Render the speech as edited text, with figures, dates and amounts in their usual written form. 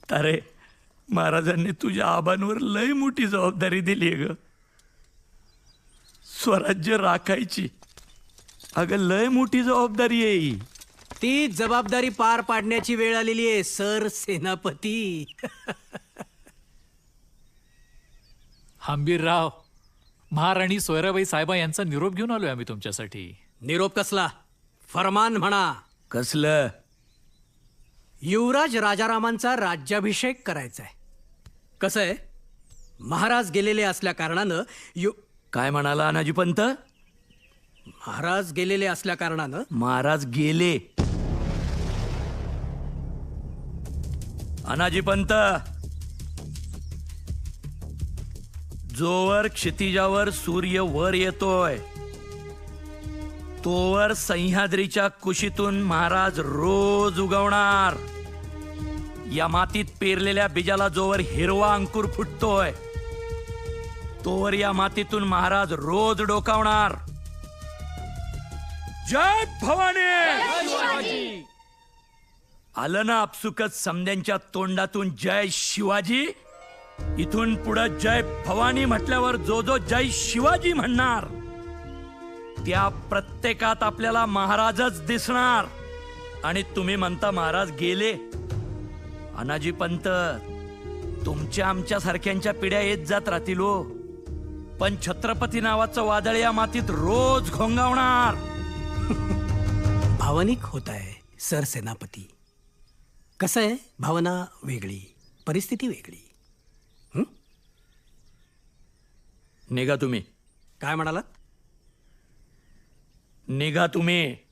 तारे, महाराजांनी तुझ्या आबांवर लय मोठी जबाबदारी दिली ग. स्वराज्य राखायची. अगं लय मोठी जबाबदारी आहे ही. ती जबाबदारी पार पाडण्याची वेळ आलेली आहे सर सेनापती. हंबीरराव, महाराणी सोयराबाई साहेबा यांचा निरोप घेऊन आलोय आम्ही तुमच्यासाठी. निरोप कसला? फरमान म्हणा. कसलं? युवराज राजारामांचा राज्याभिषेक करायचा आहे. कसं आहे, महाराज गेलेले असल्या कारणानं काय म्हणाला अनाजी पंत? महाराज गेलेले असल्या कारणानं महाराज गेले. अनाजी पंत, जोवर क्षितिजावर सूर्य वर येतोय तोवर सह्याद्रीच्या कुशीतून महाराज रोज उगवणार. या मातीत पेरलेल्या बीजाला जोवर हिरवा अंकुर फुटतोय तोवर या मातीतून महाराज रोज डोकावणार. जय भवानी. आलं ना आपसुकच समद्यांच्या तोंडातून जय शिवाजी. इथून पुढे जय भवानी म्हटल्यावर जो जो जय शिवाजी म्हणणार त्या प्रत्येकात आपल्याला महाराजच दिसणार. आणि तुम्ही म्हणता महाराज गेले. अनाजी पंत, तुमच्या आमच्या सारख्यांच्या पिढ्या येत जात राहतील हो, पण छत्रपती नावाचं वादळ या मातीत रोज घोंगावणार. भावनिक होत आहे सर सेनापती. कसं आहे, भावना वेगळी, परिस्थिती वेगळी. निघा तुम्ही. काय म्हणालात? निघा तुम्ही.